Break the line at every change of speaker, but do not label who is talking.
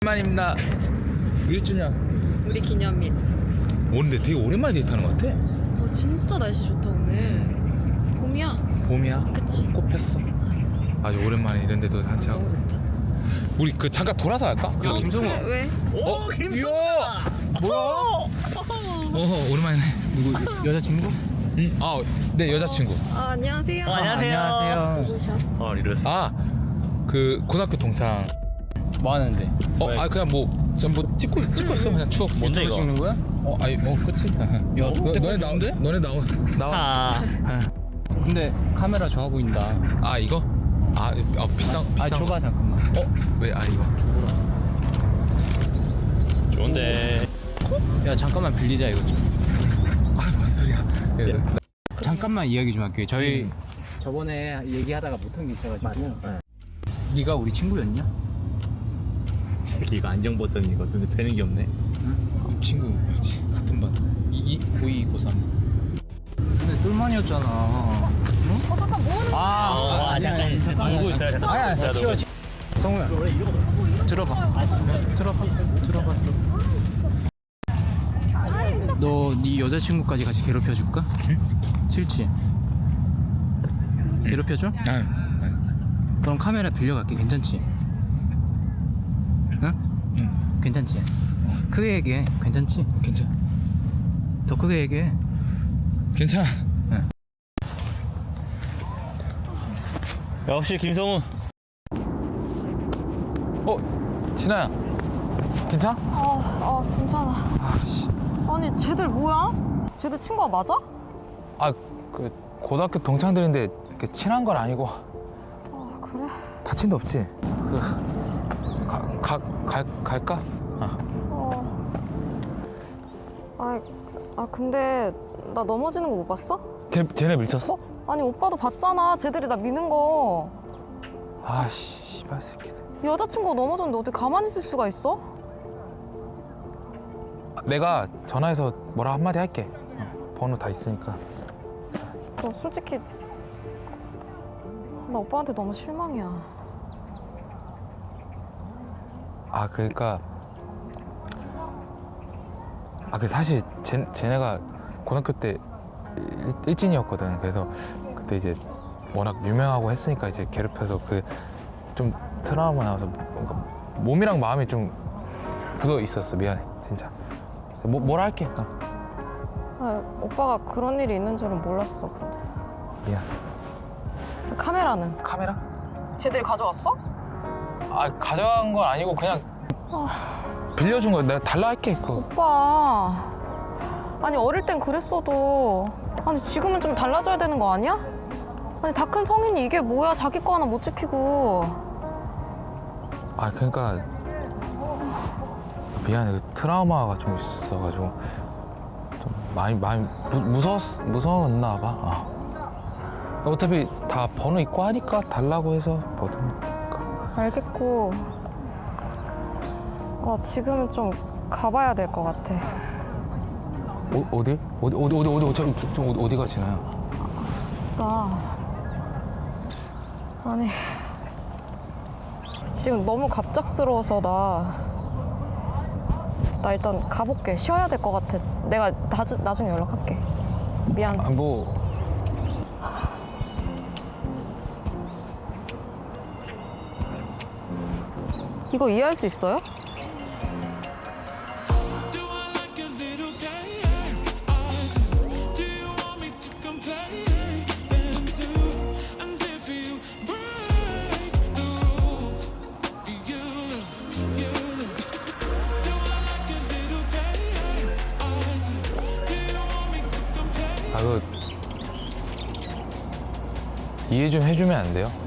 오랜만입니다. 몇 주냐?
우리 기념일.
오는데 되게 오랜만에 데이트하는 것 같아.
진짜 날씨 좋다 오늘. 봄이야.
봄이야?
그치?
꽃 폈어. 아주 오랜만에 이런 데도 산책하고.
너무 좋다.
우리 그 잠깐 돌아서 갈까? 야 김성우.
왜?
오 김성우. 뭐야? 오랜만이네. 누구 여자친구? 응. 네 여자친구.
안녕하세요.
안녕하세요.
누구셔?
이랬어.
그 고등학교 동창.
뭐 하는데?
그냥 뭐 찍고 있어 그냥 추억.
뭔데 이거?
찍는 거야? 그치.
야,
너네 나와.
근데 카메라 좋아 보인다.
이거? 비싼.
줘봐 잠깐만.
왜? 이거.
좋은데. 야 잠깐만 빌리자 이거 좀.
뭔 소리야?
잠깐만 이야기 좀 할게요. 저희 저번에 얘기하다가 못한 게 있어가지고. 네가 우리 친구였냐?
이거 안경 벗던 이거 눈에 뵈는 게 없네.
친구였지. 같은 반. 고2, 고3.
근데 똘만이었잖아. 응?
잠깐 뭐 하는 거야?
잠깐.
보고 있어요. 잠깐.
아야 치워. 성우야. 들어봐. 너 네 여자친구까지 같이 괴롭혀줄까? 응? 싫지? 괴롭혀줘? 그럼 카메라 빌려갈게. 괜찮지? 응? 괜찮지? 크게 얘기해. 괜찮지?
괜찮아.
더 크게 얘기해.
괜찮아.
역시 김성우.
진아야. 괜찮아?
괜찮아. 아니 쟤들 뭐야? 쟤들 친구가 맞아?
그 고등학교 동창들인데 이렇게 친한 건 아니고.
그래?
다친 데 없지? 갈까?
근데 나 넘어지는 거 못 봤어?
쟤네 밀쳤어?
아니 오빠도 봤잖아. 쟤들이 나 미는 거.
씨발 새끼들.
여자친구가 넘어졌는데 어떻게 가만히 있을 수가 있어?
내가 전화해서 뭐라 한마디 할게. 번호 다 있으니까.
진짜 솔직히 나 오빠한테 너무 실망이야.
그러니까 그 사실 쟤네가 고등학교 때 일진이었거든. 그래서 그때 이제 워낙 유명하고 했으니까 이제 괴롭혀서 좀 트라우마 나와서 뭔가 몸이랑 마음이 좀 굳어 있었어. 미안해 진짜. 뭐라 할게.
오빠가 그런 일이 있는 줄은 몰랐어. 근데
미안.
카메라는?
카메라?
쟤들이 가져왔어?
가져간 건 아니고 그냥 빌려준 거야. 내가 달라 할게. 그거.
오빠 아니 어릴 땐 그랬어도 아니 지금은 좀 달라져야 되는 거 아니야? 아니 다 큰 성인이 이게 뭐야. 자기 거 하나 못 지키고.
그러니까 미안해. 트라우마가 좀 있어가지고 좀 많이 무서웠나 봐. 어차피 다 번호 있고 하니까 달라고 해서 뭐든.
알겠고 지금은 좀 가봐야 될 것 같아.
어디 어디가 지나요?
아니 지금 너무 갑작스러워서 나 일단 가볼게. 쉬어야 될 것 같아. 내가 나중에 연락할게. 미안. 이거 이해할 수 있어요?
이해 좀 해주면 안 돼요?